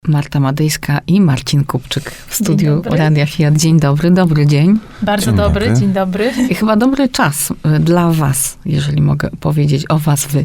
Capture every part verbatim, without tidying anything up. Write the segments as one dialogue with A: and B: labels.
A: Marta Madejska i Marcin Kupczyk w studiu Radia Fiat. Dzień dobry, dobry dzień.
B: Bardzo
C: Dzień
B: dobry,
C: dobry.
B: dzień dobry.
A: I chyba dobry czas dla was, jeżeli mogę powiedzieć o was wy.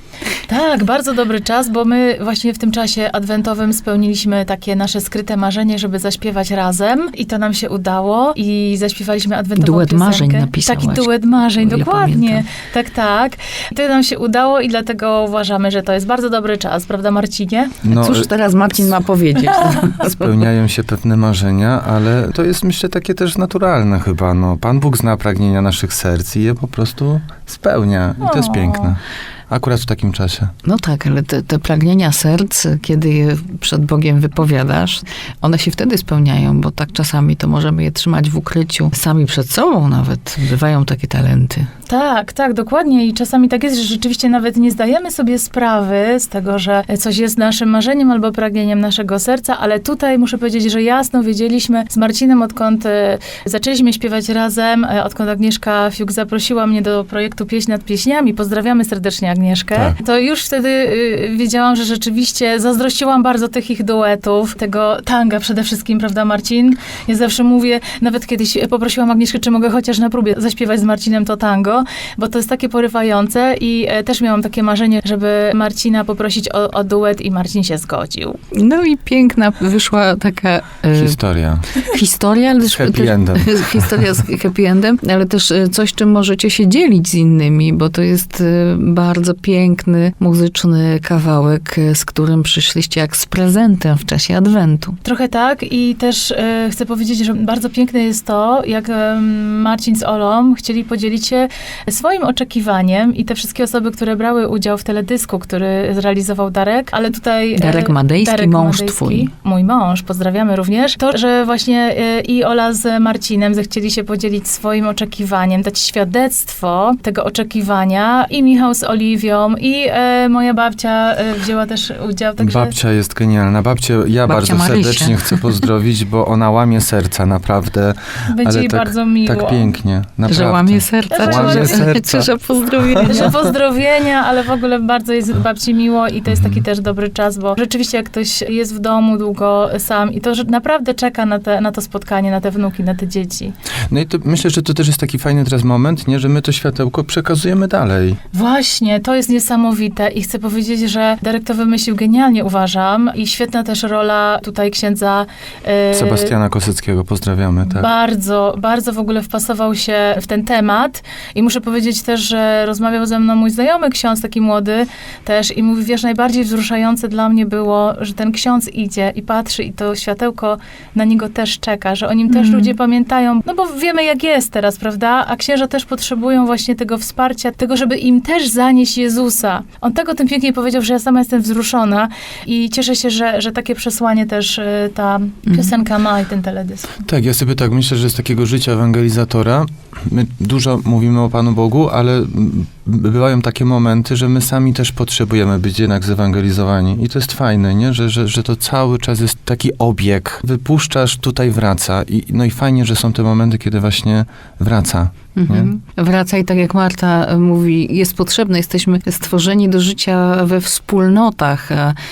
B: Tak, bardzo dobry czas, bo my właśnie w tym czasie adwentowym spełniliśmy takie nasze skryte marzenie, żeby zaśpiewać razem i to nam się udało i zaśpiewaliśmy adwentową
A: Duet
B: piosenkę.
A: marzeń napisałaś.
B: Taki duet marzeń,
A: O ile
B: dokładnie.
A: pamiętam.
B: Tak, tak. To nam się udało i dlatego uważamy, że to jest bardzo dobry czas, prawda Marcinie?
C: No,
A: Cóż teraz Marcin ma powiedzieć?
C: spełniają się pewne marzenia, ale to jest, myślę, takie też naturalne chyba. No, Pan Bóg zna pragnienia naszych serc i je po prostu spełnia. I to jest
B: O.
C: piękne. Akurat w takim czasie.
A: No tak, ale te, te pragnienia serc, kiedy je przed Bogiem wypowiadasz, one się wtedy spełniają, bo tak czasami to możemy je trzymać w ukryciu, sami przed sobą nawet. Bywają takie talenty.
B: Tak, tak, dokładnie. I czasami tak jest, że rzeczywiście nawet nie zdajemy sobie sprawy z tego, że coś jest naszym marzeniem albo pragnieniem naszego serca, ale tutaj muszę powiedzieć, że jasno wiedzieliśmy z Marcinem, odkąd e, zaczęliśmy śpiewać razem, e, odkąd Agnieszka Fiuk zaprosiła mnie do projektu Pieśń nad pieśniami. Pozdrawiamy serdecznie Agnieszkę.
C: Tak.
B: To już wtedy y, wiedziałam, że rzeczywiście zazdrościłam bardzo tych ich duetów, tego tanga przede wszystkim, prawda Marcin? Ja zawsze mówię, nawet kiedyś poprosiłam Agnieszkę, czy mogę chociaż na próbie zaśpiewać z Marcinem to tango, bo to jest takie porywające i e, też miałam takie marzenie, żeby Marcina poprosić o, o duet i Marcin się zgodził.
A: No i piękna wyszła taka e,
C: Historia.
A: historia, ale też,
C: Happy
A: też
C: endem.
A: historia z happy endem, ale też e, coś, czym możecie się dzielić z innymi, bo to jest e, bardzo piękny, muzyczny kawałek, e, z którym przyszliście jak z prezentem w czasie Adwentu.
B: Trochę tak i też e, chcę powiedzieć, że bardzo piękne jest to, jak e, Marcin z Olą chcieli podzielić się swoim oczekiwaniem i te wszystkie osoby, które brały udział w teledysku, który zrealizował Darek, ale tutaj... e,
A: Darek Madejski,
B: Darek
A: mąż
B: Madejski,
A: twój.
B: Mój mąż, pozdrawiamy również. To, że właśnie e, i Ola z Marcinem zechcieli się podzielić swoim oczekiwaniem, dać świadectwo tego oczekiwania i Michał z Oliwią i e, moja babcia e, wzięła też udział, także...
C: Babcia jest genialna. Babcię ja
A: Babcia
C: bardzo
A: Marysia.
C: serdecznie chcę pozdrowić, bo ona łamie serca, naprawdę.
B: Będzie
C: ale
B: jej
C: tak,
B: bardzo miło.
C: tak pięknie, naprawdę.
A: Że łamie serca,
B: Że łamie
A: czy, że,
C: serca.
A: czy że pozdrowienia.
B: Że pozdrowienia, ale w ogóle bardzo jest babci miło i to jest taki też dobry czas, bo rzeczywiście jak ktoś jest w domu długo sam i to że naprawdę czeka na, te, na to spotkanie, na te wnuki, na te dzieci.
C: No i to, myślę, że to też jest taki fajny teraz moment, nie, że my to światełko przekazujemy dalej.
B: Właśnie, to jest niesamowite i chcę powiedzieć, że Darek to wymyślił genialnie, uważam, i świetna też rola tutaj księdza e,
C: Sebastiana Kosyckiego pozdrawiamy, tak.
B: Bardzo, bardzo w ogóle wpasował się w ten temat i muszę powiedzieć też, że rozmawiał ze mną mój znajomy ksiądz, taki młody też i mówi, wiesz, najbardziej wzruszające dla mnie było, że ten ksiądz idzie i patrzy i to światełko na niego też czeka, że o nim też
A: Mhm.
B: ludzie pamiętają, no bo wiemy jak jest teraz, prawda? A księża też potrzebują właśnie tego wsparcia, tego, żeby im też zanieść Jezusa. On tego tym pięknie powiedział, że ja sama jestem wzruszona i cieszę się, że, że takie przesłanie też y, ta piosenka ma i ten teledysk.
C: Tak, ja sobie tak myślę, że z takiego życia ewangelizatora my dużo mówimy o Panu Bogu, ale mm, bywają takie momenty, że my sami też potrzebujemy być jednak zewangelizowani. I to jest fajne, nie? Że, że, że to cały czas jest taki obieg. Wypuszczasz, tutaj wraca. I, no i fajnie, że są te momenty, kiedy właśnie wraca.
A: Mhm. Wraca i tak jak Marta mówi, jest potrzebne, jesteśmy stworzeni do życia we wspólnotach.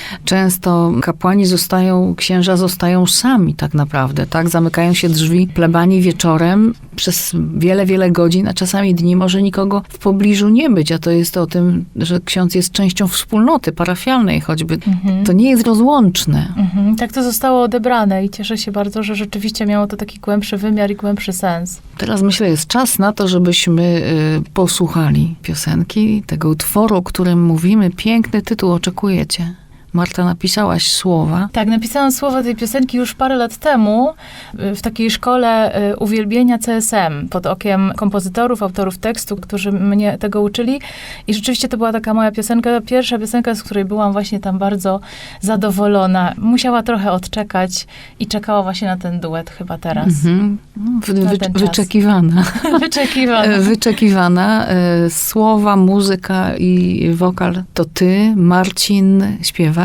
A: Często kapłani zostają, księża zostają sami tak naprawdę, tak? Zamykają się drzwi plebanii wieczorem przez wiele, wiele godzin, a czasami dni może nikogo w pobliżu nie być, a to jest o tym, że ksiądz jest częścią wspólnoty parafialnej choćby.
B: Mhm.
A: To nie jest rozłączne.
B: Mhm, tak to zostało odebrane i cieszę się bardzo, że rzeczywiście miało to taki głębszy wymiar i głębszy sens.
A: Teraz myślę, jest czas na to, żebyśmy y, posłuchali piosenki, tego utworu, o którym mówimy. Piękny tytuł, oczekujecie. Marta, napisałaś słowa.
B: Tak, napisałam słowa tej piosenki już parę lat temu y, w takiej szkole y, uwielbienia C S M pod okiem kompozytorów, autorów tekstu, którzy mnie tego uczyli i rzeczywiście to była taka moja piosenka, pierwsza piosenka, z której byłam właśnie tam bardzo zadowolona. Musiała trochę odczekać i czekała właśnie na ten duet chyba teraz.
A: Mhm. Wy,
B: Na
A: wy,
B: ten czas.
A: wyczekiwana.
B: Wyczekiwana.
A: Wyczekiwana. E, Słowa, muzyka i wokal to ty, Marcin, śpiewasz.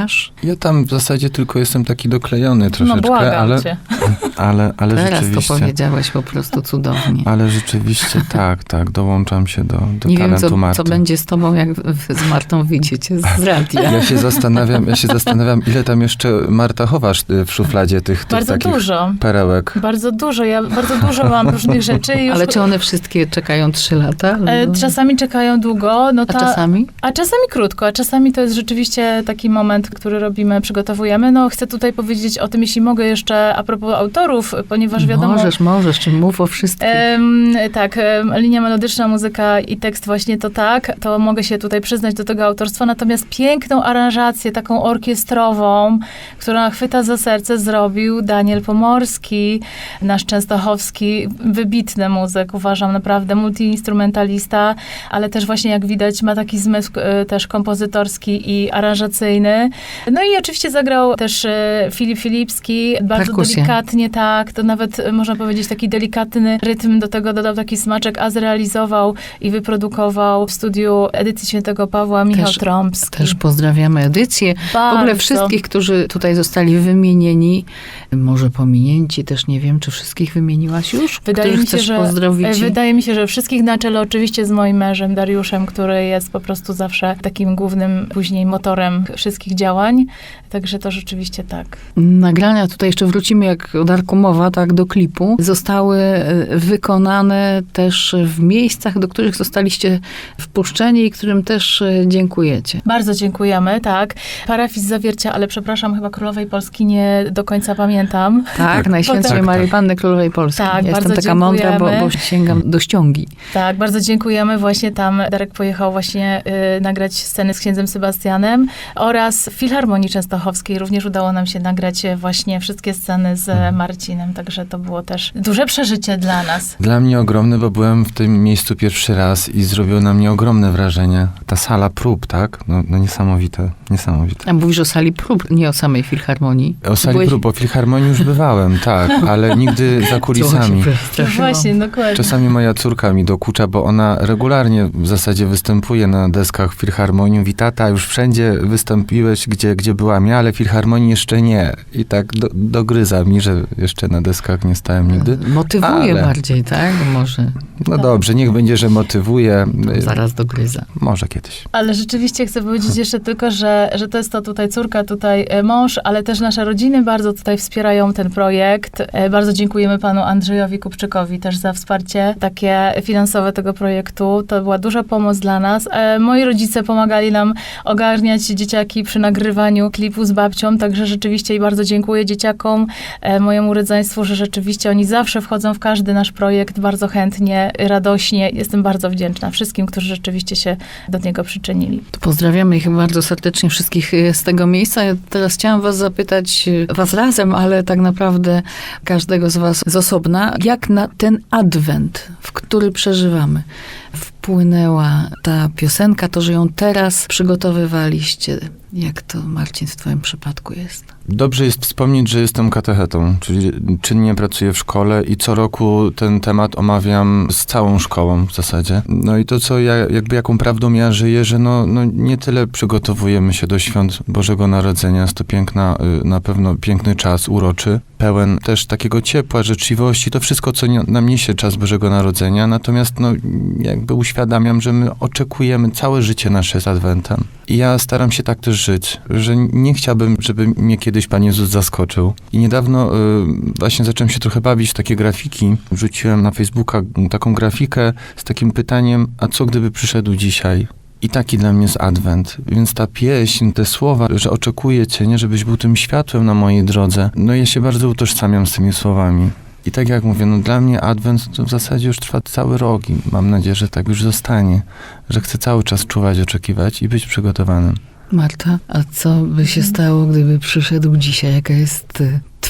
A: śpiewasz?
C: Ja tam w zasadzie tylko jestem taki doklejony troszeczkę,
B: No błagam
C: ale,
B: cię.
C: ale, ale
A: Teraz
C: rzeczywiście...
A: to powiedziałeś po prostu cudownie.
C: Ale rzeczywiście tak, tak, dołączam się do, do
A: Nie wiem,
C: talentu
A: co,
C: Marty.
A: co będzie z tobą, jak wy z Martą wyjdziecie z radia.
C: Ja się zastanawiam, ja się zastanawiam, ile tam jeszcze, Marta, chowasz y, w szufladzie tych, tych
B: Bardzo
C: takich
B: dużo.
C: perełek.
B: Bardzo dużo. Ja bardzo dużo mam różnych rzeczy. I już,
A: Ale czy one wszystkie czekają trzy lata?
B: e, czasami czekają długo. No
A: A
B: ta,
A: czasami?
B: A czasami krótko, a czasami to jest rzeczywiście taki moment, który robimy, przygotowujemy. No chcę tutaj powiedzieć o tym, jeśli mogę jeszcze a propos autorów, ponieważ wiadomo...
A: Możesz, możesz, czy mów o wszystkich.
B: Em, tak, em, linia melodyczna, muzyka i tekst właśnie to tak, to mogę się tutaj przyznać do tego autorstwa, natomiast piękną aranżację, taką orkiestrową, która chwyta za serce, zrobił Daniel Pomorski, nasz częstochowski, wybitny muzyk, uważam, naprawdę multiinstrumentalista, ale też właśnie jak widać ma taki zmysł e, też kompozytorski i aranżacyjny. No i oczywiście zagrał też e, Filip Filipski, bardzo
A: Perkusję.
B: delikatnie, tak, to nawet e, można powiedzieć taki delikatny rytm, do tego dodał taki smaczek, a zrealizował i wyprodukował w studiu Edycji Świętego Pawła Michał
A: Też-
B: Trąbski.
A: Też pozdrawiamy edycję. W ogóle
B: Bardzo.
A: wszystkich, którzy tutaj zostali wymienieni, może pominięci, też nie wiem, czy wszystkich wymieniłaś już?
B: Wydaje
A: których
B: mi się,
A: chcesz
B: że,
A: pozdrowić?
B: wydaje mi się, że wszystkich na czele oczywiście z moim mężem Dariuszem, który jest po prostu zawsze takim głównym później motorem wszystkich działań. Także to rzeczywiście tak.
A: Nagrania, tutaj jeszcze wrócimy, jak o Darku mowa, tak, do klipu, zostały e, wykonane też w miejscach, do których zostaliście wpuszczeni i którym też e, dziękujecie.
B: Bardzo dziękujemy, tak. Parafis Zawiercia, ale przepraszam, chyba Królowej Polski nie do końca pamiętam.
A: Tak, Najświętszej
C: Tak,
A: Marii
C: tak.
A: Panny Królowej Polski.
B: Tak,
A: ja
B: bardzo
A: jestem taka mądra, bo,
B: dziękujemy.
A: bo sięgam do ściągi.
B: Tak, bardzo dziękujemy. Właśnie tam Darek pojechał właśnie y, nagrać sceny z księdzem Sebastianem oraz w Filharmonii Częstochowskiej również udało nam się nagrać y, właśnie wszystkie sceny z
C: Mhm.
B: Marcinem, także to było też duże przeżycie dla nas.
C: Dla mnie ogromne, bo byłem w tym miejscu pierwszy raz i zrobiło na mnie ogromne wrażenie. Ta sala prób, tak? No, no niesamowite, niesamowite.
A: A mówisz o sali prób, nie o samej Filharmonii.
C: O sali
A: Byłeś-
C: prób, o Filharmonii już bywałem, tak, ale nigdy za kulisami.
B: No właśnie, dokładnie.
C: Czasami moja córka mi dokucza, bo ona regularnie w zasadzie występuje na deskach Filharmonii. Mówi, tata, już wszędzie wystąpiłeś, gdzie, gdzie byłam ja, ale Filharmonii jeszcze nie. I tak do, dogryza mi, że jeszcze na deskach nie stałem nigdy.
A: Motywuje
C: Ale-
A: bardziej, tak? Może
C: No dobrze, niech będzie, że motywuje.
A: zaraz dogryza.
C: Może kiedyś.
B: Ale rzeczywiście chcę powiedzieć jeszcze tylko, że, że to jest to tutaj córka, tutaj e, mąż, ale też nasze rodziny bardzo tutaj wspierają ten projekt. E, Bardzo dziękujemy panu Andrzejowi Kupczykowi też za wsparcie takie finansowe tego projektu. To była duża pomoc dla nas. E, Moi rodzice pomagali nam ogarniać dzieciaki przy nagrywaniu klipu z babcią, także rzeczywiście i bardzo dziękuję dzieciakom, e, mojemu rodzeństwu, że rzeczywiście oni zawsze wchodzą w każdy nasz projekt bardzo chętnie, radośnie. Jestem bardzo wdzięczna wszystkim, którzy rzeczywiście się do niego przyczynili.
A: To pozdrawiamy ich bardzo serdecznie wszystkich e, z tego miejsca. Ja teraz chciałam was zapytać, e, was razem, ale tak naprawdę każdego z was z osobna, jak na ten adwent, w który przeżywamy, wpłynęła ta piosenka, to, że ją teraz przygotowywaliście. Jak to, Marcin, w twoim przypadku jest?
C: Dobrze jest wspomnieć, że jestem katechetą, czyli czynnie pracuję w szkole i co roku ten temat omawiam z całą szkołą w zasadzie. No i to, co ja, jakby jaką prawdą ja żyję, że no, no nie tyle przygotowujemy się do świąt Bożego Narodzenia, jest to piękna, y, na pewno piękny czas, uroczy, pełen też takiego ciepła, życzliwości, to wszystko, co nie- nam niesie czas Bożego Narodzenia, natomiast no jakby uświadamiam, że my oczekujemy, całe życie nasze jest Adwentem. I ja staram się tak też żyć, że nie chciałbym, żeby mnie kiedyś Pan Jezus zaskoczył. I niedawno y, właśnie zacząłem się trochę bawić w takie grafiki. Wrzuciłem na Facebooka taką grafikę z takim pytaniem, a co gdyby przyszedł dzisiaj? I taki dla mnie jest Adwent. Więc ta pieśń, te słowa, że oczekuję Cię, nie, żebyś był tym światłem na mojej drodze. No ja się bardzo utożsamiam z tymi słowami. I tak jak mówię, no dla mnie Adwent to w zasadzie już trwa cały rok i mam nadzieję, że tak już zostanie. Że chcę cały czas czuwać, oczekiwać i być przygotowanym.
A: Marta, a co by się stało, gdyby przyszedł dzisiaj? Jaka jest y,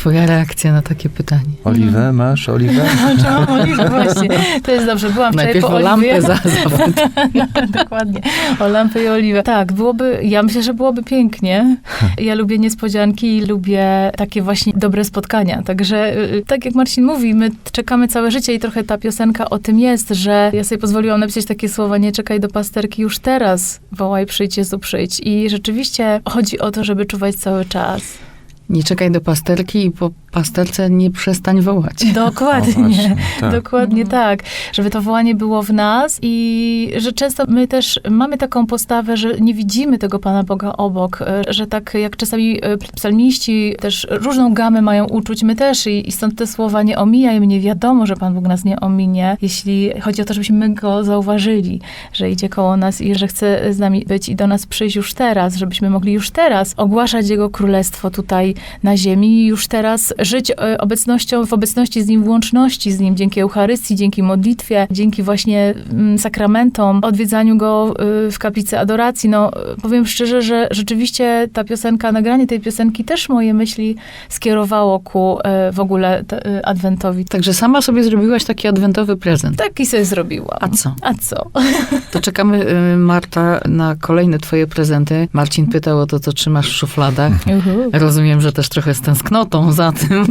A: twoja reakcja na takie pytanie?
C: Oliwę masz? Oliwę?
B: Czy mam oliwę? Właśnie. To jest dobrze. Byłam wczoraj
A: Najpierw
B: po
A: o
B: oliwie.
A: lampę za zawód.
B: Dokładnie. O lampę i oliwę. Tak, byłoby, ja myślę, że byłoby pięknie. Ja lubię niespodzianki i lubię takie właśnie dobre spotkania. Także y, tak jak Marcin mówi, my czekamy całe życie i trochę ta piosenka o tym jest, że ja sobie pozwoliłam napisać takie słowa: nie czekaj do pasterki już teraz, wołaj, przyjdź Jezu, przyjdź. I rzeczywiście chodzi o to, żeby czuwać cały czas.
A: Nie czekaj do pasterki i po pasterce nie przestań wołać.
C: O,
B: Dokładnie.
C: właśnie, tak.
B: Dokładnie tak. Żeby to wołanie było w nas i że często my też mamy taką postawę, że nie widzimy tego Pana Boga obok, że tak jak czasami psalmiści też różną gamę mają uczuć, my też i, i stąd te słowa: nie omijaj mnie, wiadomo, że Pan Bóg nas nie ominie, jeśli chodzi o to, żebyśmy my Go zauważyli, że idzie koło nas i że chce z nami być i do nas przyjść już teraz, żebyśmy mogli już teraz ogłaszać Jego królestwo tutaj na ziemi i już teraz żyć e, obecnością, w obecności z Nim, w łączności z Nim, dzięki Eucharystii, dzięki modlitwie, dzięki właśnie mm, sakramentom, odwiedzaniu Go y, w kaplicy adoracji. No, powiem szczerze, że rzeczywiście ta piosenka, nagranie tej piosenki też moje myśli skierowało ku e, w ogóle te, e, adwentowi.
A: Także sama sobie zrobiłaś taki adwentowy prezent.
B: Taki sobie zrobiłam.
A: A co?
B: A co?
A: To czekamy, y, Marta, na kolejne twoje prezenty. Marcin pytał o to, co trzymasz w szufladach.
B: Uhu.
A: Rozumiem, że też trochę z tęsknotą za tym,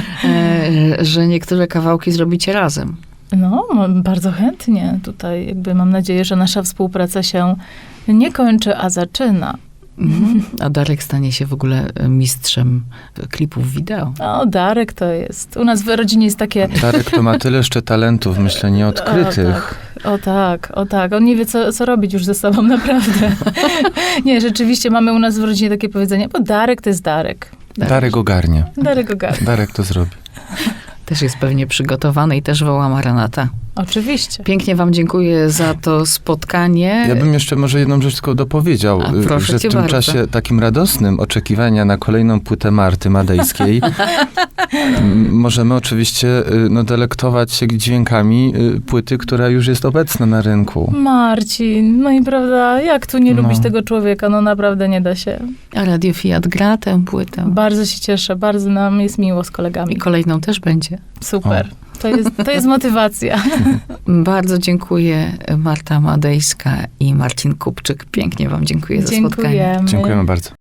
A: e, że niektóre kawałki zrobicie razem.
B: No, m- bardzo chętnie. Tutaj jakby mam nadzieję, że nasza współpraca się nie kończy, a zaczyna.
A: Mhm. A Darek stanie się w ogóle mistrzem klipów wideo.
B: O, Darek to jest. U nas w rodzinie jest takie...
C: Darek to ma tyle jeszcze talentów, myślę, nieodkrytych.
B: O tak, o tak, o tak. On nie wie, co, co robić już ze sobą, naprawdę. Nie, rzeczywiście mamy u nas w rodzinie takie powiedzenie, bo Darek to jest Darek.
C: Darek ogarnie.
B: Darek ogarnia.
C: Darek to zrobi.
A: Też jest pewnie przygotowany i też woła Maranata.
B: Oczywiście.
A: Pięknie wam dziękuję za to spotkanie.
C: Ja bym jeszcze może jedną rzecz tylko dopowiedział,
A: A, proszę
C: że w
A: cię
C: tym
A: bardzo.
C: czasie takim radosnym oczekiwania na kolejną płytę Marty Madejskiej m, możemy oczywiście y, no, delektować się dźwiękami y, płyty, która już jest obecna na rynku.
B: Marcin, no i prawda, jak tu nie
C: No.
B: lubić tego człowieka? No naprawdę nie da się.
A: A Radio Fiat gra tę płytę.
B: Bardzo się cieszę, bardzo nam jest miło z
A: I
B: kolegami.
A: kolejną też będzie.
B: Super. To jest, to jest motywacja.
A: Bardzo dziękuję, Marta Madejska i Marcin Kupczyk. Pięknie wam dziękuję za spotkanie.
B: Dziękujemy.
C: Dziękujemy bardzo.